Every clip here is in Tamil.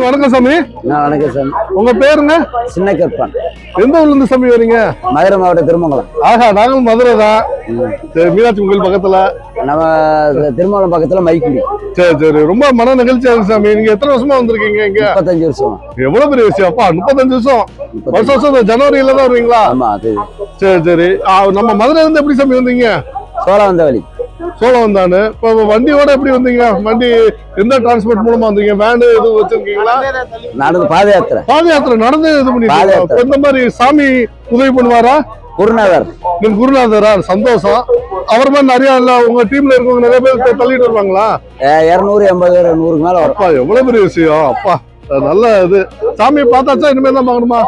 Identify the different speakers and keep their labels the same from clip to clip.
Speaker 1: வணக்கம் சாமி.
Speaker 2: வணக்கம் சாமி.
Speaker 1: உங்க பேருங்க?
Speaker 2: சின்ன கற்பான்.
Speaker 1: எந்த ஊர்ல இருந்து சாமி வரீங்க?
Speaker 2: மதுரை மாவட்டம் திருமங்கலம்.
Speaker 1: ஆஹா, நாங்களும் மதுரை தான். சரி, மீனாட்சி கோயில் பக்கத்துல.
Speaker 2: நம்ம திருமங்கலம் பக்கத்துல மைக்குடி.
Speaker 1: சரி சரி, ரொம்ப மன நிகழ்ச்சியா இருக்கு சாமி. நீங்க எத்தனை வருஷமா வந்திருக்கீங்க இங்க?
Speaker 2: 35 வருஷம்.
Speaker 1: எவ்வளவு பெரிய விஷயம் அப்பா, 35 வருஷம். வருஷம் ஜனவரியில தான் வருவீங்களா?
Speaker 2: ஆமா, அது.
Speaker 1: சரி சரி. நம்ம மதுரை இருந்து எப்படி சாமி வந்தீங்க?
Speaker 2: சோழவந்தாவளி.
Speaker 1: சோழவந்தானு. இப்போ வண்டியோட எப்படி வந்தீங்க? வண்டி எந்த டிரான்ஸ்போர்ட் மூலமா வந்தீங்க? வேன் எதுவும் வச்சிருக்கீங்களா?
Speaker 2: நடந்து பாத யாத்திரை.
Speaker 1: பாத யாத்திரை நடந்து இது பண்ணி இந்த மாதிரி சாமி உதவி பண்ணுவாரா?
Speaker 2: குருநாதர்.
Speaker 1: குருநாதரா? சந்தோஷம். அவர் மாதிரி நிறைய இல்ல உங்க டீம்ல இருக்கவங்க நிறைய பேர் தள்ளிட்டு வருவாங்களா?
Speaker 2: 280 100 மேல வரும்.
Speaker 1: அப்பா, எவ்வளவு பெரிய விஷயம் அப்பா. நல்ல இது. சாமியை பார்த்தாச்சா இனிமே தான் பார்க்கணுமா?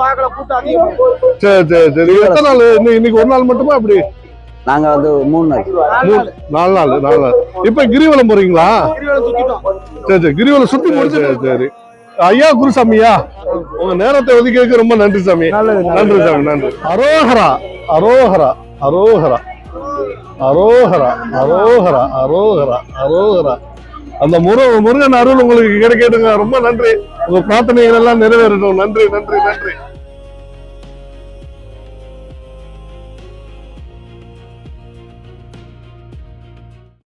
Speaker 1: சரி சரி சரி. எத்தனை நாள்? இன்னைக்கு ஒரு நாள் மட்டுமா? அப்படி
Speaker 2: நாங்க வந்து 3 நாள்
Speaker 1: 4 நாள். இப்ப கிரிவலம் போறீங்களா? சரி சரி, கிரிவலம் சுத்தி முடிச்சு. சரி ஐயா, குருசாமியா, உங்க நேரத்தை ஒதுக்கியதுக்கு ரொம்ப நன்றி சாமி. நன்றி சாமி, நன்றி. அரோகரா அரோகரா அரோகரா அரோகரா அரோகரா அரோகரா அரோகரா. அந்த முருகன் அருள் உங்களுக்கு கிடைக்கட்டுங்க. ரொம்ப நன்றி. உங்க பிரார்த்தனைகள் எல்லாம் நிறைவேறட்டும். நன்றி நன்றி நன்றி.